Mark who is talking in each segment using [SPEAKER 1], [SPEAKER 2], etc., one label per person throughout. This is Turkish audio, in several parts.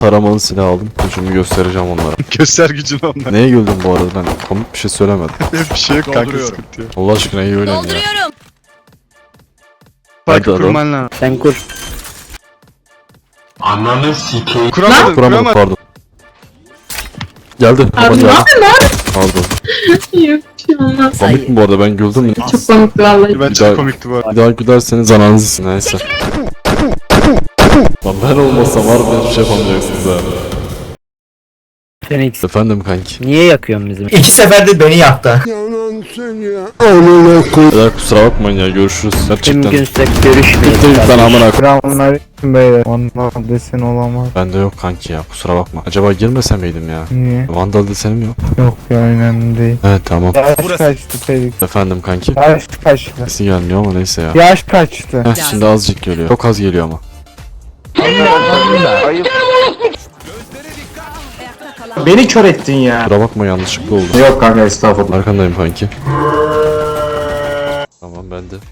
[SPEAKER 1] Taramalı silah aldım. Gücümü göstereceğim onlara.
[SPEAKER 2] Göster gücünü onlara.
[SPEAKER 1] Neye güldün bu arada, ben komik bir şey söylemedim.
[SPEAKER 2] Bir şey yok kanka, sıkıntı yok.
[SPEAKER 1] Allah aşkına iyi oynayın ya.
[SPEAKER 3] Dolduruyorum.
[SPEAKER 2] Farkı
[SPEAKER 1] Hadi
[SPEAKER 2] kurman lazım.
[SPEAKER 4] Sen kur.
[SPEAKER 2] Kuramadım,
[SPEAKER 1] Kuramadım,
[SPEAKER 2] kuramadım.
[SPEAKER 1] pardon. Geldi. Baba
[SPEAKER 5] Abi ne
[SPEAKER 1] geldi.
[SPEAKER 5] yapıyorsun lan?
[SPEAKER 1] Aldım.
[SPEAKER 5] Yok bir şey olmaz.
[SPEAKER 1] Komik mi bu arada, ben güldüm.
[SPEAKER 5] Çok komikti vallahi.
[SPEAKER 2] Ben
[SPEAKER 1] Bir
[SPEAKER 2] çok
[SPEAKER 1] daha-
[SPEAKER 2] komikti bu arada.
[SPEAKER 1] Bir daha gülerseniz ananızsın, neyse. Lan ben olmasam var mı hiçbir şey yapamayacaksınız ha.
[SPEAKER 4] Phoenix.
[SPEAKER 1] Efendim kanki.
[SPEAKER 4] Niye yakıyorsun bizim?
[SPEAKER 6] 2 seferdir beni yaktı.
[SPEAKER 1] Beyler kusura bakmayın ya, görüşürüz. Gerçekten.
[SPEAKER 4] Mümkünse görüşmeyelim.
[SPEAKER 1] Bitti lan amına.
[SPEAKER 7] Selamünaleyküm beyler. Vandal desen olamaz.
[SPEAKER 1] Bende yok kanki ya, kusura bakma. Acaba girmese miydim ya?
[SPEAKER 7] Niye?
[SPEAKER 1] Vandal desenim yok.
[SPEAKER 7] Yok ya önemli değil.
[SPEAKER 1] Evet tamam.
[SPEAKER 7] Yaş kaçtı Felix?
[SPEAKER 1] Efendim kanki.
[SPEAKER 7] Yaş kaçtı?
[SPEAKER 1] Sesi gelmiyor ama neyse ya.
[SPEAKER 7] Yaş kaçtı?
[SPEAKER 1] Heh, şimdi azıcık geliyor. Çok az geliyor ama.
[SPEAKER 6] Beni kör ettin ya.
[SPEAKER 1] Kusura bakma, yanlışlıkla oldu.
[SPEAKER 6] Yok kanka estağfurullah.
[SPEAKER 1] Arkandayım kanki. Tamam, ben de.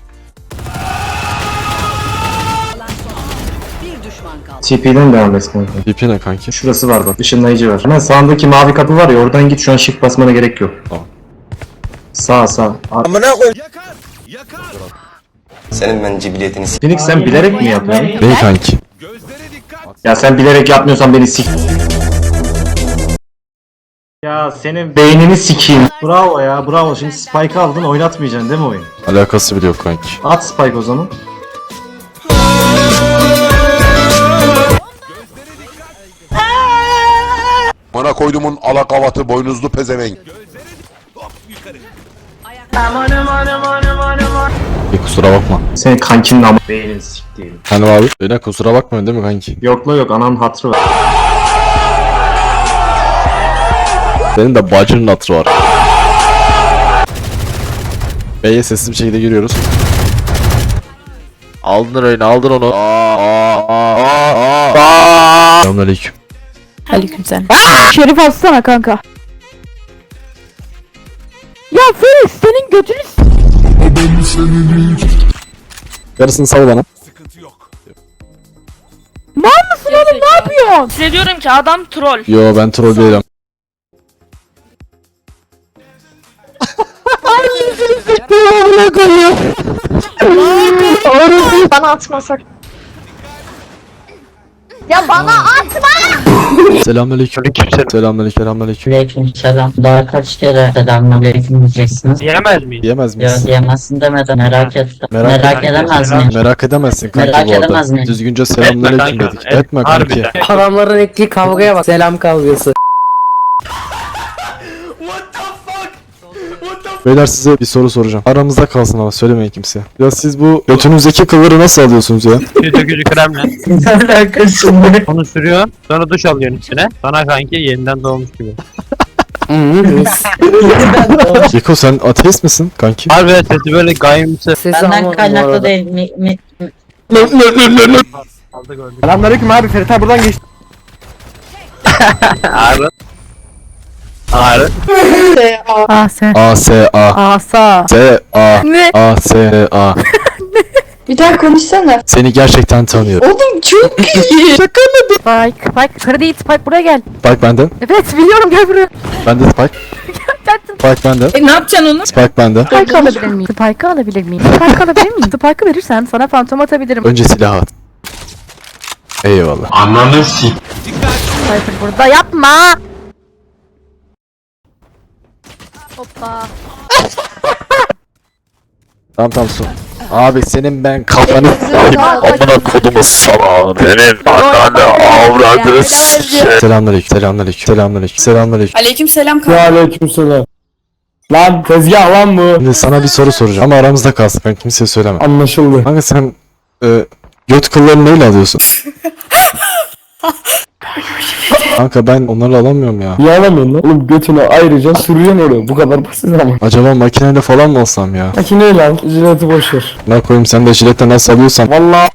[SPEAKER 3] Bir düşman kaldı.
[SPEAKER 6] TP'den devam et kanka.
[SPEAKER 1] DP ne kanki?
[SPEAKER 6] Şurası var bak. Işınlayıcı var. Hemen sağındaki mavi kapı var ya, oradan git, şu an shift basmana gerek yok.
[SPEAKER 1] Tamam.
[SPEAKER 6] Sağ.
[SPEAKER 8] Senin ben cibiliyetini
[SPEAKER 6] Phoenix sen bilerek mi yapıyorsun?
[SPEAKER 1] Bey kanki.
[SPEAKER 6] Ya sen bilerek yapmıyorsan beni sik. Ya senin beynini sikeyim. Bravo ya, bravo. Şimdi Spike aldın, oynatmayacaksın değil mi oyun?
[SPEAKER 1] Alakası bile yok kanki.
[SPEAKER 6] At Spike o zaman.
[SPEAKER 9] Bana koydumun alakavatı boynuzlu pezevenk.
[SPEAKER 1] Kusura bakma.
[SPEAKER 6] Senin kankinin ama beynini sikeyim.
[SPEAKER 1] Hani abi? Beyler kusura bakmayın değil mi kanki?
[SPEAKER 6] Yok la yok, ananın hatırı var.
[SPEAKER 1] Senin de bacının hatırı var. B'ye sessiz bir şekilde giriyoruz. Aldın oyunu, aldın onu. Selamünaleyküm.
[SPEAKER 10] Aleykümselam. Şerif atsana kanka. Ya Feris senin götünü
[SPEAKER 1] Yarısını sal bana.
[SPEAKER 10] mal mısın oğlum, ne yapıyorsun?
[SPEAKER 3] Size diyorum ki adam troll.
[SPEAKER 1] Yo, ben troll değilim.
[SPEAKER 5] Bana atmasak. Ya bana atma!
[SPEAKER 1] Selamünaleyküm. Selamünaleyküm.
[SPEAKER 11] Aleykümselam. Daha kaç kere selamünaleyküm diyeceksiniz?
[SPEAKER 4] Diyemez miyiz?
[SPEAKER 1] Diyemez
[SPEAKER 11] Ya
[SPEAKER 1] miyiz?
[SPEAKER 11] diyemezsin demeden merak et. Merak edemez miyim?
[SPEAKER 1] Merak edemezsin kanki
[SPEAKER 11] Merak
[SPEAKER 1] bu arada.
[SPEAKER 11] edemez miyim?
[SPEAKER 1] Düzgünce selamünaleyküm dedik. Etme kanki.
[SPEAKER 4] Adamların ettiği kavgaya bak. Selam kavgası.
[SPEAKER 1] Beyler size bir soru soracağım. Aramızda kalsın ama söylemeyin kimseye. Ya siz bu götünüzdeki kılları nasıl alıyorsunuz ya?
[SPEAKER 4] Dökücü kremle.
[SPEAKER 11] Ne alakası var?
[SPEAKER 4] Onu sürüyorsun. Sonra duş alıyorsun üstüne. Sana kanki yeniden doğmuş gibi.
[SPEAKER 1] Yeko, sen ateist misin kanki?
[SPEAKER 4] Harbi sesi böyle gayimsi.
[SPEAKER 11] Benden kaynaklı değil.
[SPEAKER 4] Aldı gördük.
[SPEAKER 7] Selamünaleyküm abi, Ferit abi buradan geçti.
[SPEAKER 4] Ağrı. Ağrı.
[SPEAKER 10] Asa.
[SPEAKER 1] A-S-A.
[SPEAKER 10] Asa.
[SPEAKER 1] S-A.
[SPEAKER 10] Ne?
[SPEAKER 1] A-S-A.
[SPEAKER 5] Bir daha konuşsana.
[SPEAKER 1] Seni gerçekten tanıyorum.
[SPEAKER 5] Oğlum çok iyi.
[SPEAKER 10] Spike. Yukarı değil, Spike buraya gel.
[SPEAKER 1] Spike bende.
[SPEAKER 10] Evet biliyorum, gel buraya.
[SPEAKER 1] Bende Spike. Spike bende.
[SPEAKER 5] Ne yapacaksın onu?
[SPEAKER 1] Spike bende.
[SPEAKER 10] Spike alabilir miyim? Spike alabilir miyim? Spike alabilir miyim? Spike'ı verirsen sana fantom atabilirim.
[SPEAKER 1] Önce silah at. Eyvallah.
[SPEAKER 10] Sniper burada, yapma. Hoppa.
[SPEAKER 1] Tamam su. Abi senin ben kafanı s**eyim. Amına kodumu sana. Benim ananı avradı s**eyim. Selamünaleyküm.
[SPEAKER 5] Aleykümselam kanka.
[SPEAKER 7] Ve aleykümselam. Lan tezgah lan bu.
[SPEAKER 1] Şimdi sana bir soru soracağım ama aramızda kalsın, ben kimseye söyleme.
[SPEAKER 7] Anlaşıldı.
[SPEAKER 1] Kanka sen göt kıllarını neyle alıyorsun? Kanka ben onları alamıyorum ya.
[SPEAKER 7] Niye alamıyorsun lan? Oğlum götünü ayrıca sürüyorsun oraya. Bu kadar basit ama.
[SPEAKER 1] Acaba makineyle falan mı alsam ya?
[SPEAKER 7] Makineyle al. Jileti boşver.
[SPEAKER 1] Ne koyayım, sen de jiletle nasıl alıyorsan.
[SPEAKER 7] Valla.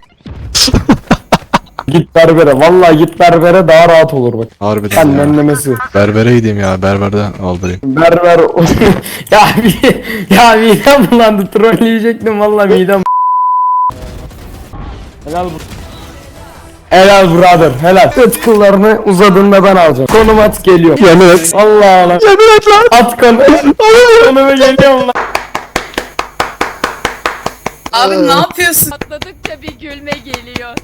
[SPEAKER 7] Git berbere. Vallahi git berbere, daha rahat olur bak.
[SPEAKER 1] Harbiden
[SPEAKER 7] Sen
[SPEAKER 1] ya.
[SPEAKER 7] nemlemesi.
[SPEAKER 1] Berbere gideyim ya, berberden aldırayım.
[SPEAKER 7] Berber. ya midem bulandı. Trolleyecektim valla midem. Helal bu. Helal brother helal. Göt kıllarını uzadığında ben alacağım. Konum at geliyor.
[SPEAKER 1] Yemin et.
[SPEAKER 7] Allah Allah.
[SPEAKER 1] Yemin et lan.
[SPEAKER 7] At konu. Konumu geliyorum lan.
[SPEAKER 5] Abi ne yapıyorsun?
[SPEAKER 10] Atladıkça bir gülme geliyor.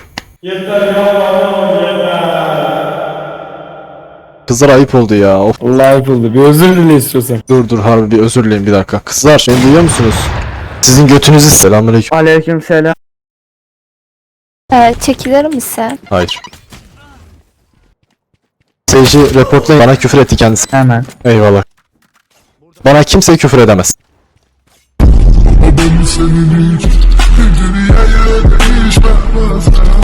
[SPEAKER 1] Kızlar ayıp oldu ya. Of.
[SPEAKER 7] Allah ayıp oldu. Bir özür dile istiyorsan.
[SPEAKER 1] Dur harbi bir özür dileyin bir dakika. Kızlar beni duyuyor musunuz? Sizin götünüzü selamünaleyküm.
[SPEAKER 7] Aleykümselam.
[SPEAKER 5] Çekilir misin?
[SPEAKER 1] Hayır. Seyirci reportlayın. Bana küfür etti kendisi.
[SPEAKER 11] Hemen.
[SPEAKER 1] Eyvallah. Bana kimse küfür edemez.